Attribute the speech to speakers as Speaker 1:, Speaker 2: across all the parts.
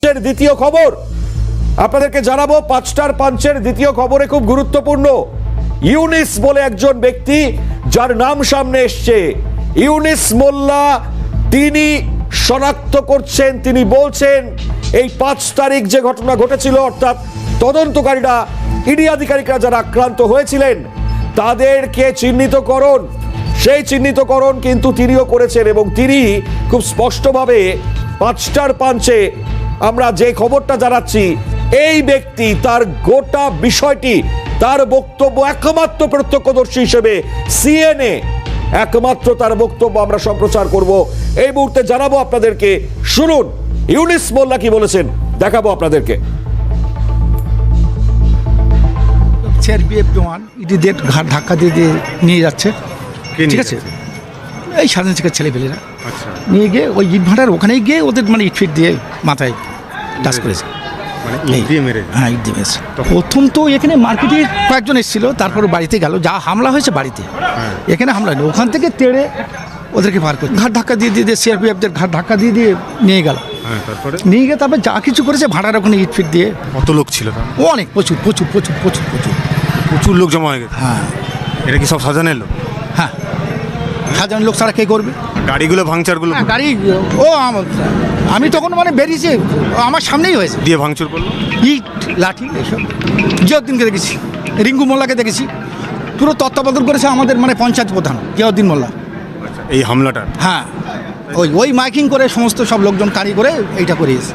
Speaker 1: দ্বিতীয় খবর আপনাদেরকে জানাবো, 5টার পাঞ্চের দ্বিতীয় খবরে খুব গুরুত্বপূর্ণ। ইউনিস বলে একজন ব্যক্তি যার নাম সামনে এসছে, ইউনিস মোল্লা, তিনি শনাক্ত করছেন, তিনি বলছেন এই 5 তারিখ যে ঘটনা ঘটেছিল, অর্থাৎ তদন্তকারীরা, ইডি আধিকারিকরা যারা আক্রান্ত হয়েছিলেন তাদেরকে চিহ্নিতকরণ, সেই চিহ্নিতকরণ কিন্তু তিনিও করেছেন এবং তিনি খুব স্পষ্টভাবে 5টার পাঞ্চে আমরা যে খবরটা জানাচ্ছি, এই ব্যক্তি তার গোটা বিষয়টি, তার বক্তব্য একমাত্র প্রত্যক্ষদর্শী হিসেবে সিএনএ একমাত্র তার বক্তব্য আমরা সম্প্রচার করব এই মুহূর্তে, জানাবো আপনাদেরকে। শুনুন ইউনিস মোল্লা কি বলেছেন, দেখাবো আপনাদেরকে।
Speaker 2: সিআরপিএফ জওয়ান ইডিদের ঘাট ধাক্কা দিয়ে দিয়ে নিয়ে যাচ্ছে, ঠিক আছে, এই স্বাধীন শিক্ষার ছেলেপেলেরা নিয়ে গিয়ে ওই ইট ভাটার ওখানে গিয়ে ওদের মানে ইট ফিট দিয়ে মাথায় টাচ করেছে, ইট দিয়ে মেরেছে। প্রথম তো এখানে মার্কেটে কয়েকজন এসেছিল, তারপরে বাড়িতে গেল, যা হামলা হয়েছে বাড়িতে, এখানে হামলা নেই, ওখান থেকে তেড়ে ওদেরকে পার করে ঘাট ধাক্কা দিয়ে দিয়ে সিআরপিএফদের ঘাট ধাক্কা দিয়ে দিয়ে নিয়ে গেল। নিয়ে গিয়ে তারপর যা কিছু করেছে ভাড়ার ওখানে ইট ফিট দিয়ে।
Speaker 3: কত লোক ছিল?
Speaker 2: অনেক, প্রচুর প্রচুর প্রচুর প্রচুর প্রচুর
Speaker 3: প্রচুর লোক জমা হয়ে গেছে।
Speaker 2: হ্যাঁ,
Speaker 3: এটা কি সব সাজানের লোক?
Speaker 2: হ্যাঁ, সাধারণ লোক ছাড়া কে করবে?
Speaker 3: গাড়িগুলো ভাঙচারগুলো
Speaker 2: গাড়ি ও আমি তখন মানে বেরিয়েছি, আমার সামনেই হয়েছে,
Speaker 3: দিয়ে ভাঙচুর করলো,
Speaker 2: ইট লাঠি এসব। জিয়াউদ্দিনকে দেখেছি, রিঙ্কু মোল্লাকে দেখেছি, পুরো তত্ত্বাবধান করেছে আমাদের মানে পঞ্চায়েত প্রধান জিয়াউদ্দিন মোল্লা।
Speaker 3: এই হামলাটা?
Speaker 2: হ্যাঁ, ওই মাইকিং করে সমস্ত সব লোকজন কারি করে এইটা করিয়েছে।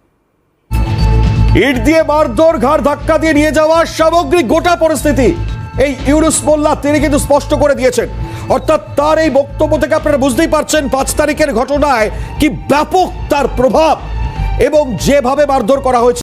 Speaker 1: ইট দিয়ে মারধর, ঘাড় ধাক্কা দিয়ে নিয়ে যাওয়া, সামগ্রিক গোটা পরিস্থিতি এই ইউনুস মোল্লা তিনি কিন্তু স্পষ্ট করে দিয়েছেন। অর্থাৎ তার এই বক্তব্য থেকে আপনারা বুঝতেই পারছেন 5 তারিখের ঘটনায় কি ব্যাপক তার প্রভাব এবং যেভাবে মারধর করা হয়েছে।